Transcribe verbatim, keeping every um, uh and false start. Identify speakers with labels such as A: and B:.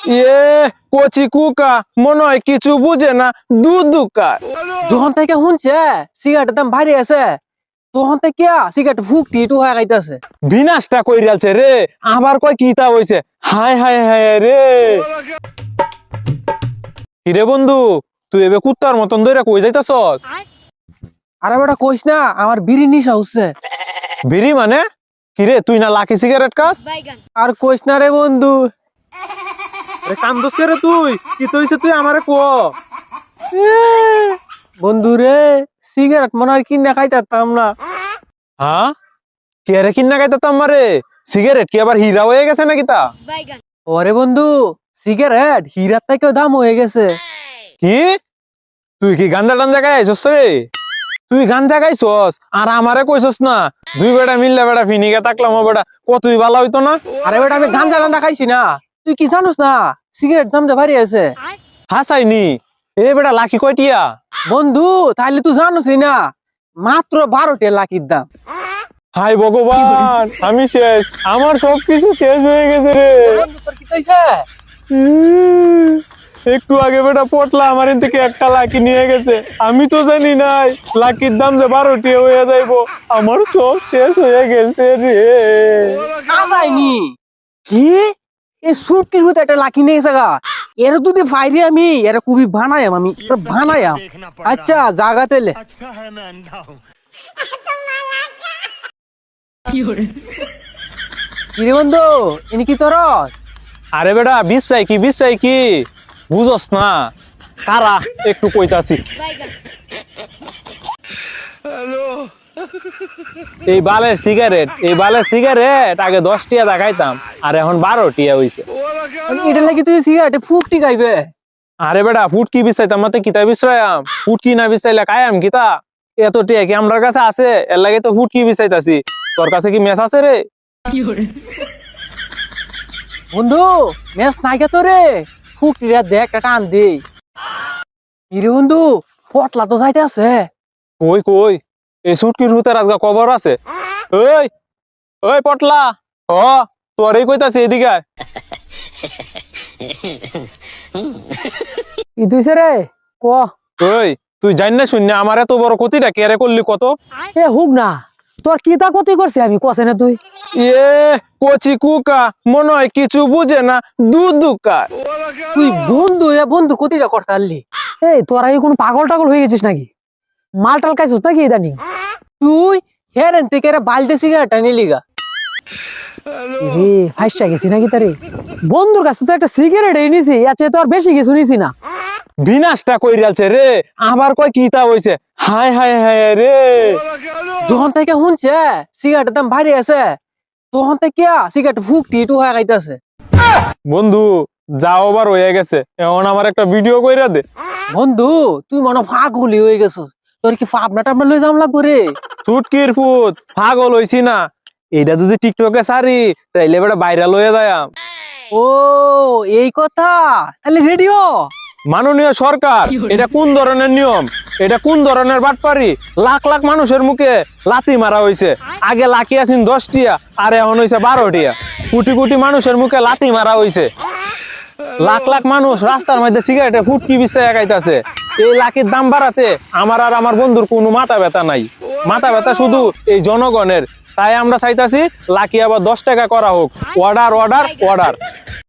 A: ইয়ে কচি কুকা মনে হয় কিছু বুঝে না দুধ দুকায়।
B: যখন থেকে শুনছে সিগারেটের দাম ভারী আছে তখন থেকে সিগারেট ফুকটি একটু হয়ে গাইতেছে।
A: বিনাশটা কইরালছে রে, আবার কয় কিতা হইছে। হায় হায় হায় রে। কিরে বন্ধু, তুই এবে কুত্তার মতন ধরে কই যাইতাছস?
B: আরে বেটা কইস না, আমার বিড়ি নিশা হচ্ছে।
A: বিড়ি মানে? কিরে তুই না লাকি সিগারেট খাস?
B: আর কইস না রে বন্ধু।
A: আরে কান্দস কে রে তুই? কি হইছে তুই আমারে ক।
B: বন্ধু রে, সিগারেট মনে হয় কিনে খাইতাম না।
A: হ্যাঁ, কে রে কিন্না গাইতাম মারে? সিগারেট কি আবার হীরা হয়ে গেছে নাকি তা?
B: ওরে বন্ধু, সিগারেট হীরার থেকেও দাম হয়ে গেছে।
A: কি তুই কি গাঞ্জা টাঞ্জা গাইছস রে? তুই গাঞ্জা গাইছস আর আমারে কইছস না? দুই বেটা মিললে বেটা ফিনিকে তাকলাম ও বেটা কতই ভালো হইতো না।
B: আরে বেটা আমি গাঞ্জা গাঞ্জা খাইছি না, তুই কি জানোস না সিগারেট দাম যে ভারী আছে।
A: হাসাইনি এ বেটা লাকি কয়টিয়া?
B: বন্ধু তাহলে তুই জানোসই না, মাত্র বারোটা লাখির দাম।
A: হাই ভগবান, আমি শেষ, আমার সবকিছু শেষ হয়ে গেছে রে।
B: তোর কি হইছে?
A: উম, একটু আগে বেটা পটলা আমার এখান থেকে একটা লাকি নিয়ে গেছে, আমি তো জানি নাই লাকির দাম যে বারোটি হয়ে যাইবো। আমার সব শেষ হয়ে গেছে রে।
B: আসাইনি কি এই সুটকির ভিতরে একটা লাকি নিয়ে গেছে গা। এর যদি ফাইরে আমি এর খুবই বানায়াম, আমি বানায়াম। আচ্ছা জাগাতে লে।
C: अच्छा है मैं अंधा हूँ।
B: কিরে বন্ধু, ইনি কি তোরস?
A: আরে বেটা বিশ্রাই কি বিশ্রাই কি বুঝস না? কারা একটু কইতাছি। এই বালের সিগারেট এই বালের সিগারেট আগে দশ টিয়া দেখাইতাম, আর এখন বারো টিয়া হইছে।
B: এটা লাগি তুই সিগারেটে ফুকটি খাইবে?
A: আরে বেটা ফুটকি বিছাইতাম মাতে কিতা বিশ্রায়াম? ফুটকি না বিছাইলে কায়াম কিতা? এত টিয়া কি আমার কাছে আছে? এর লাগে তো ফুটকি বিছাইতাছি। তোর কাছে কি মেস আছে রে?
B: বন্ধু মেস নাইকে তোরে, ফুকটিরা দেখ একটা টান দে। কিরে বন্ধু, পটলা তো যাইতে আছে।
A: কই কই এই সুটকির ভিতর আজকে কবর আছে। ওই ওই পটলা, ও তোরই কইতাছি এদিকে আয়।
B: কি তুইছে রে ক?
A: ওই তুই জানি না শূন্য আমার এত বড় ক্ষতিটা কেরে করলি কত?
B: এ হুক না, তোর কি তা ক্ষতি করছে আমি কছে না তুই?
A: ইয়ে কচি কুকা মনে হয় কিছু বুঝে না দুধ দুকায়।
B: তুই বন্ধু এ বন্ধু ক্ষতিটা করতে পারলি? এই তোরা কি কোনো পাগল টাগল হয়ে গেছিস নাকি? মাল টাল খাইছিস নাকি ইদানিং? তুই হেরেন থেকে বালতে সিগারেটটা নিলি গা। রে ফাইসা গেছি নাকি তারে? বন্ধুর কাছে তো একটা সিগারেট এনেছি, আচ্ছা তো আর বেশি কিছু নিছি না।
A: বিনাশটা কইরালছে রে, আবার কয় কিতা হইছে। হায় হায় হায় রে।
B: যখন থেকে শুনছে সিগারেটের দাম ভারী আছে তখন থেকে সিগারেট ফুকটি একটু হয়ে গাইতেছে।
A: বন্ধু যাও আবার হয়ে গেছে, এখন আমার একটা ভিডিও কইরা দে।
B: বন্ধু তুই মনে ফাগলি হয়ে গেছিস, তোর কি ফাবনা টাবনা লই যাম লাগবো রে?
A: চুটকির ফুট পাগল হইছি না, এইটা যদি টিকটকে সারি তাইলে বেটা ভাইরাল হয়ে যায়।
B: ও এই কথা, তাহলে রেডিও।
A: মাননীয় সরকার, এটা কোন ধরনের নিয়ম? এটা কোন ধরনের বাটপারি? লাখ লাখ মানুষের মুখে লাথি মারা হইছে। আগে লাকি আছেন দশ টিয়া আর এখন হইছে বারো টিয়া। কোটি কোটি মানুষের মুখে লাথি মারা হইছে। লাখ লাখ মানুষ রাস্তার মধ্যে সিগারেটে ফুটকি বিছাইয়া খাইতাছে। এই লাকির দাম বাড়াতে আমার আর আমার বন্ধুর কোনো মাথা ব্যথা নাই, মাথা ব্যথা শুধু এই জনগণের। তাই আমরা চাইতাছি লাকি আবার দশ টাকা করা হোক। Order order order.